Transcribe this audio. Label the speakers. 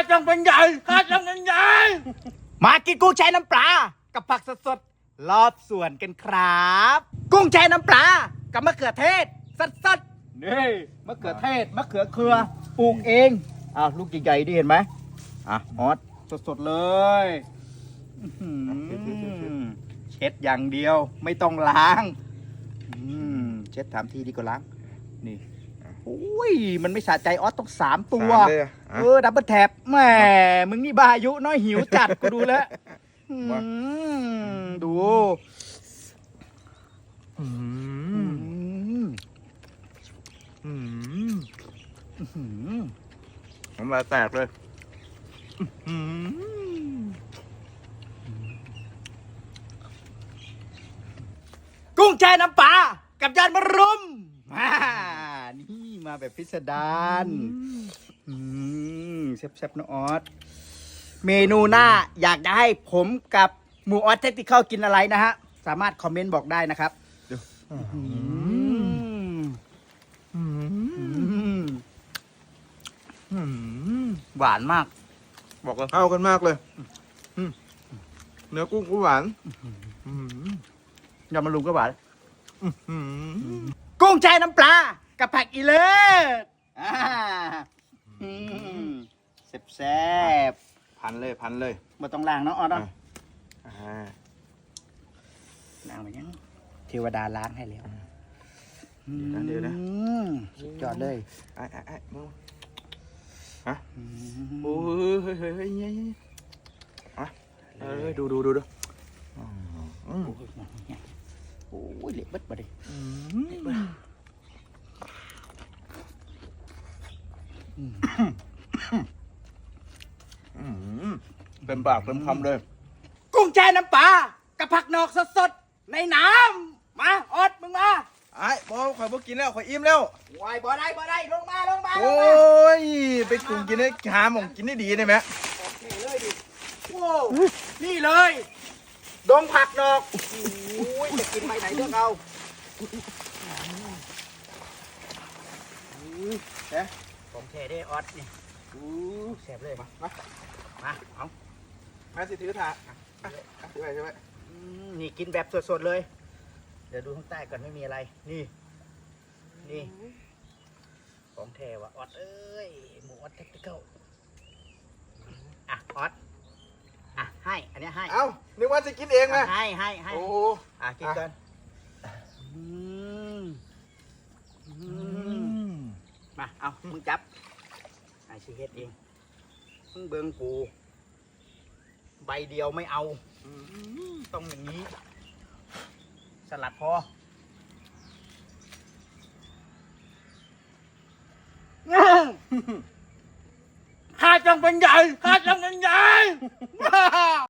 Speaker 1: จังเป็นใหญ่ข้าจังเป็นใหญ่มากินกุ้งแช่น้ำปลากับผักสดๆรอบสวนกันครับ กุ้งแช่น้ำปลากับมะเขือเทศสดๆนี่มะเขือเทศมะเขือเครือปลูกเองลูกใหญ่ๆดิเห็นไหมฮอตสดๆเลยเช็ดอย่างเดียวไม่ต้องล้างเช็ด3 ทีดีกว่าล้างนี่โอ้ยมันไม่สะใจออสต้อง3 ตัวดับเบิลแท็บแหมมึงนี่บาอายุน้อยหิวจัดกูดูแล้วดู
Speaker 2: น้ำลายแตกเลย
Speaker 1: กุ้งแช่น้ำปลากับยานมะรุมนี่มาแบบพิสดารแซ่บๆนะออสเมนูหน้าอยากจะให้ผมกับหมูออสเทคนิคกินอะไรนะฮะสามารถคอมเมนต์บอกได้นะครับหวานมาก
Speaker 2: บอกเลยเข้ากันมากเลยเนื้อกุ้งก็หวาน
Speaker 1: ยำมะรุมก็หวานกุ้งแช่น้ำปลากับผักอีเลิศแซ่บ
Speaker 2: พันเลย
Speaker 1: มาต้องล้างเนาะออสเนาะล้างไปยังเทวดาล้างให้แล้ว
Speaker 2: เดี๋ยวนะ
Speaker 1: สุดยอดเลย
Speaker 2: มึงโอ้ยเฮ้ยดูโ
Speaker 1: อ้ยเละเบิดมาดิ
Speaker 2: เต็มปากเต็มคำเลย
Speaker 1: กุ้งแช่น้ำปลากับผักนอกสดๆในน้ำมาออดมึงมา
Speaker 2: บอกข่อยบ่กินแล้วข่อยอิ่มแล้ว
Speaker 1: วายบ่ได้ลงมา
Speaker 2: โอ้ยไปกุ้งกินได้หาหม่องกินได้ดีได้ไหม
Speaker 1: เลยดิโว้นี่เลยดงผักนอกโอ้ยจะกินไปไหนเลือกเอาผมเทได้ออดนี่แซ่บเลยมาเอา
Speaker 2: มาสิถือถาดถือไปใช่ไหม
Speaker 1: นี่กินแบบสดๆเลยเดี๋ยวดูข้างใต้ก่อนไม่มีอะไรนี่ของแท้ว่ะออดเอ้ยหมูออดเทคนิคออดให้อันนี้ให้
Speaker 2: นึกว่าจะกินเองนะ
Speaker 1: ให้
Speaker 2: โอ้
Speaker 1: กินกันมาเอามึงจับไอ้ชีเฮ็ดเองมึงเบิ่งกูใบเดียวไม่เอาต้องอย่างนี้สลัดพอข้าจังเป็นใหญ่